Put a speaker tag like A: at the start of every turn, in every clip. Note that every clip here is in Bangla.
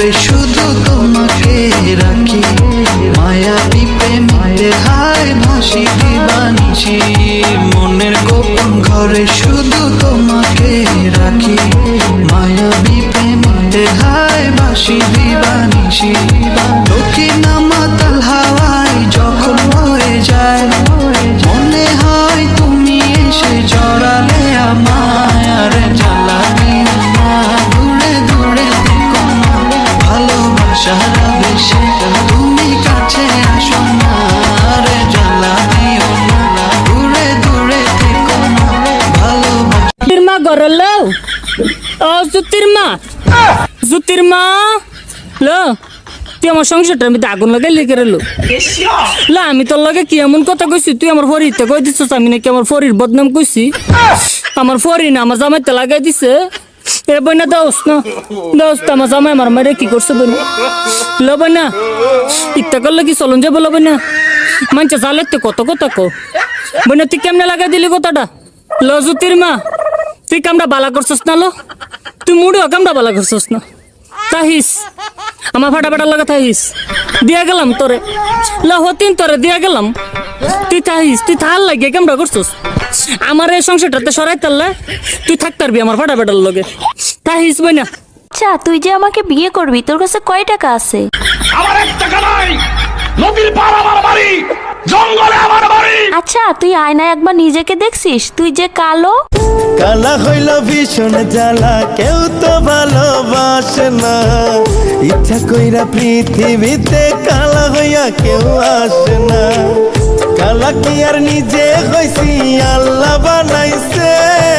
A: ঘরে শুধু তোমাকে রাখি, মায়াবী প্রেমে হায় ভাসি দিবানিছি। মনের গোপন ঘরে শুধু তোমাকে রাখি, মায়াবী প্রেমে হায় ভাসি দিবানিছি। দক্ষিণ মাতাল হাওয়ায় যখন হয়ে যায়, মনে হয় তুমি এসে জড়ালে আমায়। আর জ্বালা দিও না, দূরে দূরে থেকো না, ভালোবাসার আবেশে তুমি কাছে আসো না। আর জ্বালা দিও না, দূরে দূরে থেকো না, ভালোবাসা।
B: মা ঘরের লো, ও জুতির মা, জুতির মা লো, তুই আমার সংসারটার মধ্যে আগুন লাগাই লেগে রেলো। লা আমি তোর লগে কি এমন কথা কইছি, তুই আমার ফরিতে কই দিছিস আমি নাকি আমার ফরির বদনাম কইছি? আমার ফরি না আমার জামাইতে লাগাই দিছে। এ বইনা দোস্ত না দোস্ত, আমার জামাই আমার মারে কি করছে বইনা? লো বইনা ইত্যা করলে কি চলন যাবো? লো বইনা মানছে জালেতে কত কথা কো বইনা, তুই কেমনে লাগাই দিলি কথাটা? লো জুতির মা, তুই কামটা বালা করছিস না? লো তুই মুড়িও কামটা বালা করছিস না? তাহিস আমার ফাটা লাগা থাহিস, দিয়া গেলাম তোরে হতিন তোরে দিয়া গেলাম। তুই থাহিস, তুই থাল লাগে কেমন করছিস আমার এই সংসারটাতে সরাই তারলে তুই থাক পারবি আমার ফাটার লগে। থাহিস বই না।
C: আচ্ছা তুই যে আমাকে বিয়ে করবি, তোর কাছে কয় টাকা আছে?
D: আমার 1 টাকা নাই, নদীর পার আমার বাড়ি, জঙ্গলে আমার বাড়ি।
C: আচ্ছা তুই আয়নায় একবার নিজেকে দেখছিস? তুই যে কালো।
E: কালা হইল ভীষণ জ্বালা, কেউ তো ভালোবাসে না। ইচ্ছা কইরা পৃথিবীতে কালা হইয়া কেউ আসে না। কালা কি আর নিজে হইছি, আল্লাহ বানাইছে।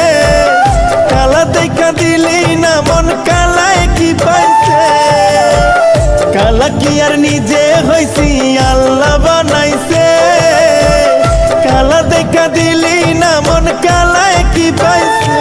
E: কালা দেখা দিলি না মন, কালায় কি পাইছে। কালা কি আর নিজে হইছি, আল্লাহ বানাইছে। কালা দেখা দিলি না মন, কালায় কি পাইছে।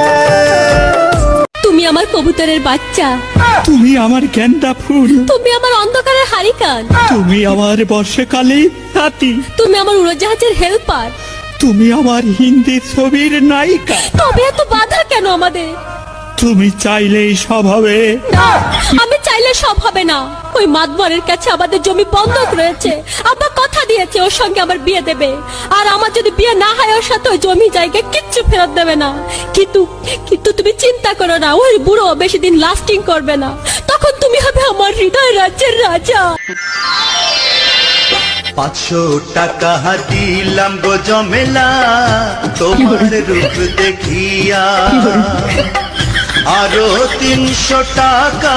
F: তুমি আমার কবুতরের বাচ্চা,
G: তুমি আমার গেন্দা ফুল,
F: তুমি আমার অন্ধকারের হারিকান,
G: তুমি আমার বর্ষাকালে হাতি,
F: তুমি আমার উড়োজাহাজের হেল্পার,
G: তুমি আমার হিন্দি ছবির নায়িকা।
F: তবে এত বাধা কেন আমাদের?
G: তুমি চাইলেই সব হবে
F: না, আমি চাইলে সব হবে না। ওই মাতবরের কাছে আমাদের জমি বন্ধক রয়েছে, আব্বা কথা দিয়েছে ওর সঙ্গে আমার বিয়ে দেবে। আর আমার যদি বিয়ে না হয় ওর সাথে ওই জমি জায়গা কিচ্ছু ফেরত দেবে না। কিন্তু কিন্তু তুমি চিন্তা করো না, ওই বুড়ো বেশি দিন লাস্টিং করবে না। তখন তুমি হবে আমার হৃদয় রাজ্যের রাজা।
A: 500 টাকা দিলাম গো জমেলা, তোমার রূপ দেখিয়া। আরো 300 টাকা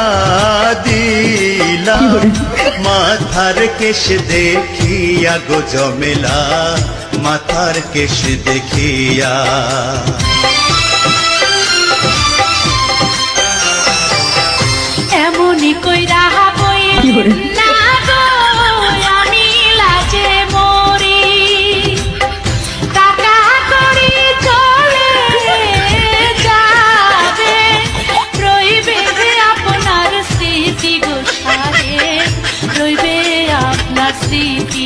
A: দিলাম মাথার কেশ দেখিয়া গো জমেলা, মাথার কেশ দেখিয়া।
F: এমনই কইরা বই না গো, আমি লাজে মরি। টাকা করি চলে যাবে, রইবে যে আপনার স্মৃতি গো সারে, রইবে আপনার স্মৃতি।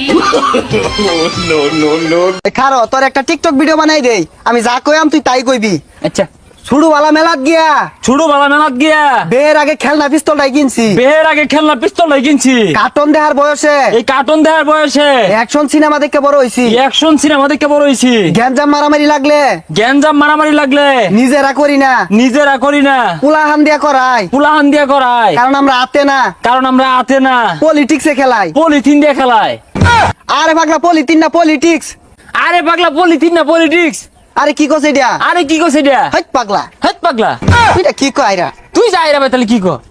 H: খারো তোর একটা টিকটক ভিডিও বানাই দেই, আমি যা কইম তুই তাই কইবি।
B: আচ্ছা
H: ছুড়ুওয়ালা মেলাত গিয়া,
B: ছুড়ো বালা মেলাত গিয়া
H: বের আগে খেলনা পিস্তলটাই কিনছি।
B: বের আগে খেলনা পিস্তলটাই কিনছি।
H: কার্টুন দেখার বয়সে,
B: এই কার্টুন দেখার বয়সে
H: অ্যাকশন সিনেমা দেখে বড় হইছি।
B: অ্যাকশন সিনেমা দেখে বড় হইছি।
H: গ্যাঞ্জাম মারামারি লাগলে,
B: গ্যাঞ্জাম মারামারি লাগলে
H: নিজেরা করি না,
B: নিজেরা করি না,
H: পুলাহান দিয়া করাই।
B: পুলাহান দিয়া করায়,
H: কারণ আমরা আতে না,
B: কারণ আমরা আতে না,
H: পলিটিক্সে খেলাই।
B: পলিথিন দিয়ে খেলায়।
H: আরে পাগলা পলিথিন না পলিটিক্স।
B: আরে পাগলা পলিথিন না পলিটিক্স।
H: আরে কি কইছে এটা?
B: আরে কি কইছে এটা?
H: হাইট পাগলা,
B: হেৎ পাগলা,
H: তুইটা কি কইরা?
B: তুই যাই রে ভাই, তাহলে কি কর?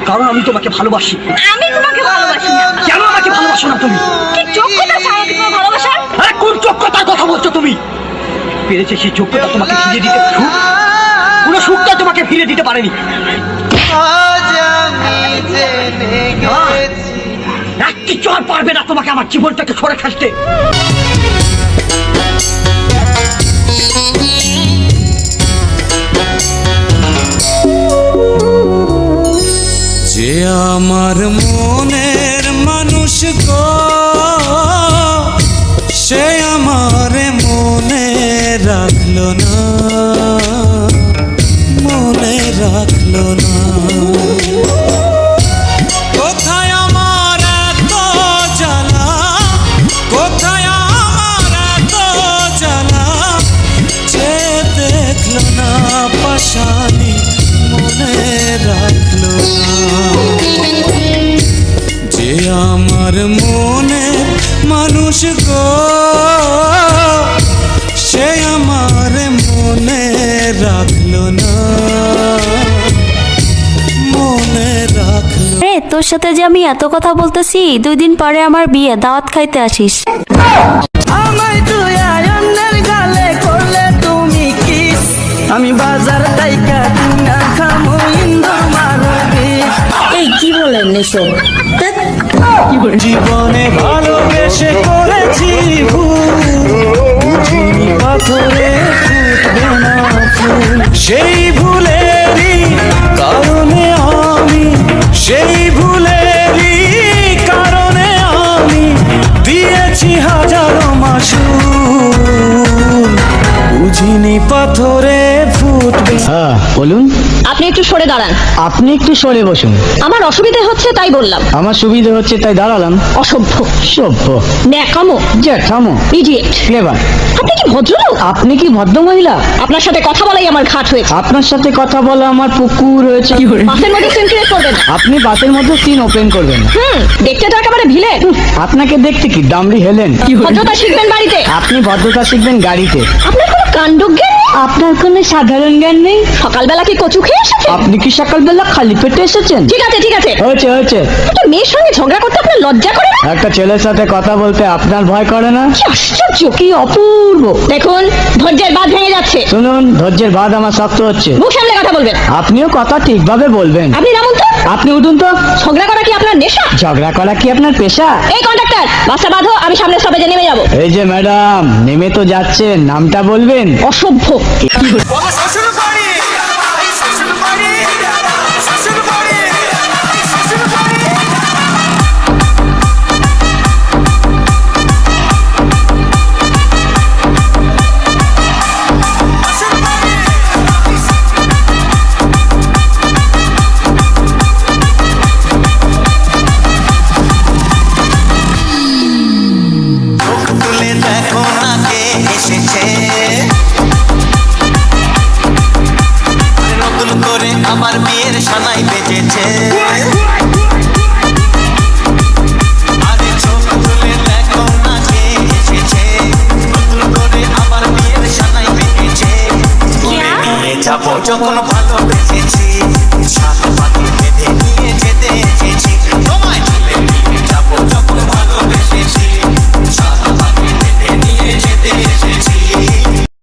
I: কারণ আমি তোমাকে ভালোবাসি।
F: আমি তোমাকে ভালোবাসি না।
I: কেন আমাকে ভালোবাসো না তুমি?
F: কি যোগ্যতা আছে আমাকে তোমার ভালোবাসার?
I: আরে কোন যোগ্যতার কথা বলছো তুমি? পেরেছে সেই যোগ্যতা তোমাকে ফিরে দিতে, পুরো সুখটা তোমাকে ফিরে দিতে পারেনি। কিচ্ছু আর পারবে না তোমাকে আমার জীবনটাকে সরে খাসতে।
E: যে আমার মনের মানুষ গো, সে আমার মনে রাখলো না, মনে রাখলো না। কোথায় আমার এত জ্বালা, কোথায় আমার এত জ্বালা, যে দেখলো না পাশানি মনে রাখলো না। যে আমার মনে মানুষ গো, সে আমার মনে রাখলো না, মনে রাখলো।
C: রে তোর সাথে যে আমি এত কথা বলতেছি, 2 দিন পরে আমার বিয়ে, দাওয়াত খাইতে আসিস।
H: আমায় তুই আয়নের গালে করলে তুমি কিস, আমি বাজার টাইকা কিনা খামু ইন্দুর মারবি।
B: এই কি বলেন এসব?
E: জীবনে ভালোবেসে করেছি ভুল, বুঝিনি পাথরে ফুটবে না ফুল। সেই ভুলেরই কারণে আমি, সেই ভুলেরই কারণে আমি দিয়েছি হাজারো মাসুল, বুঝিনি পাথরে ফুটবে।
J: হ্যাঁ বলুন।
F: আপনি একটু সরে দাঁড়ান।
J: আপনি একটু সরে বসুন।
F: আমার অসুবিধা হচ্ছে তাই বললাম।
J: আমার সুবিধা হচ্ছে তাই দাঁড়ালাম।
F: অসভ্য,
J: সভ্য,
F: ন্যাকামো,
J: জ্যাঠামো,
F: ইডিয়েট।
J: ক্লেভার।
F: আপনি কি ভদ্রলোক?
J: আপনি কি ভদ্র মহিলা?
F: আপনার সাথে কথা বলাই আমার ঘাট হয়েছে।
J: আপনার সাথে কথা বলা আমার পুকুর হয়েছে।
F: বাসের মধ্যে সিন ক্রিয়েট করবেন না।
J: আপনি বাসের মধ্যে সিন ওপেন করবেন না।
F: দেখতে তো একেবারে ভিলে।
J: আপনাকে দেখতে কি দামড়ি হেলেন?
F: ভদ্রতা শিখবেন বাড়িতে।
J: আপনি ভদ্রতা শিখবেন গাড়িতে।
F: আপনার কোনো কাণ্ডজ্ঞান নেই?
J: আপনার কোনো সাধারণ জ্ঞান নেই?
F: সকালবেলা কি কচু খেয়ে এসেছেন?
J: আপনি কি সকালবেলা খালি পেটে এসেছেন?
F: ঠিক আছে ঠিক আছে,
J: হয়েছে হয়েছে।
F: একটা মেয়ের সঙ্গে ঝগড়া করতে আপনার লজ্জা করে না?
J: একটা ছেলের সাথে কথা বলতে আপনার ভয় করে না?
F: কি আশ্চর্য,
J: কি অপূর্ব।
F: দেখুন ধৈর্যের বাঁধ ভেঙে যাচ্ছে।
J: শুনুন, ধৈর্যের বাঁধ আমার শক্ত হচ্ছে।
F: মুখ সামলে কথা বলবেন।
J: আপনিও কথা ঠিকভাবে বলবেন।
F: আপনি নামুন তো।
J: আপনি উঠুন তো।
F: ঝগড়া করা কি আপনার নেশা?
J: ঝগড়া করা কি আপনার পেশা?
F: এই কন্ডাক্টর, বাসটা বাঁধো, আমি সামনে স্টপেজে নেমে যাব।
J: এই যে ম্যাডাম, নেমে তো যাচ্ছেন, নামটা বলবেন?
F: অসভ্য।
A: তুলে দেখো না কে এসেছে, নতুন করে আবার বিয়ের সানাই বেজেছে। আরে চোখ তুলে দেখো না কে এসেছে, নতুন করে আবার বিয়ের সানাই বেজেছে। যাবো যখন ভালোবেসেছি,